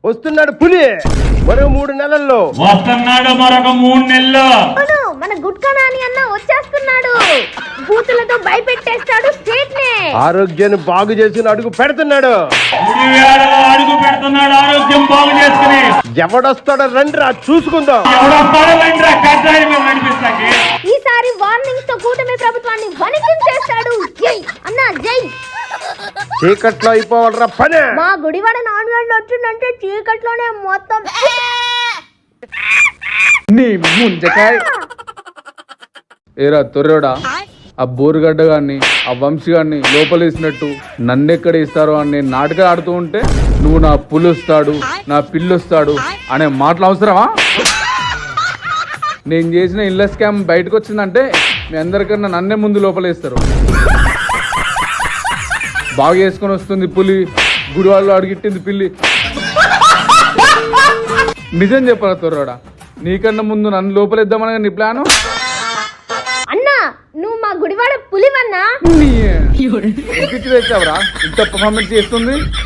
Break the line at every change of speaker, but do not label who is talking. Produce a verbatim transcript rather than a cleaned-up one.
వస్తున్నాడు పులి మరో మూడు నెలల్లో
వస్తున్నాడు మరొక మూడు నెలలు
మన గుట్కా నాని అన్న వచ్చేస్తున్నాడు. బూతులతో భయపెట్టేస్తాడు స్టేట్ నే.
ఆరోగ్యాన్ని బాగు చేసిన అడుగు పెడుతున్నాడు.
అడుగు పెడుతున్నాడు ఆరోగ్యం బాగు చేసుకుని.
ఎవడొస్తాడో రండిరా చూసుకుందాం.
ఎవడొస్తాడో రండిరా కట్టాయి మేము నడిపిస్తాకి.
ఈసారి వార్నింగ్స్ తో కూటమి ప్రభుత్వాన్ని వణికించేస్తాడు. జై అన్న జై.
చీకట్లో అయిపోవాలరా పని.
మా గుడివాడ నాన్ వెజ్ వచ్చిందంటే చీకట్లోనే మొత్తం.
నీ ముంజకాయ ఏరా తొర్రోడా, ఆ బోరుగడ్డ గాన్ని ఆ వంశీ గాన్ని లోపలేసినట్టు నన్నెక్కడ ఇస్తారో అని నేను నాటకాలు ఆడుతూ ఉంటే నువ్వు నా పులుస్తాడు నా పిల్లొస్తాడు అనే మాటలు అవసరమా? నేను చేసిన ఇళ్ళ స్కామ్ బయటకు వచ్చిందంటే మీ అందరికన్నా నన్నే ముందు లోపలేస్తారు. బాగా చేసుకొని వస్తుంది పులి, గుడివాళ్ళు అడిగిట్టింది పిల్లి. నిజం చెప్పరా తొర్రోడా, నీకన్నా ముందు నన్ను లోపలేద్దామని నీ ప్లాను?
అన్నా నువ్వు మా గుడివాడ పులివన్నా.
తెచ్చావరా ఇంత పర్ఫార్మెన్స్ చేస్తుంది.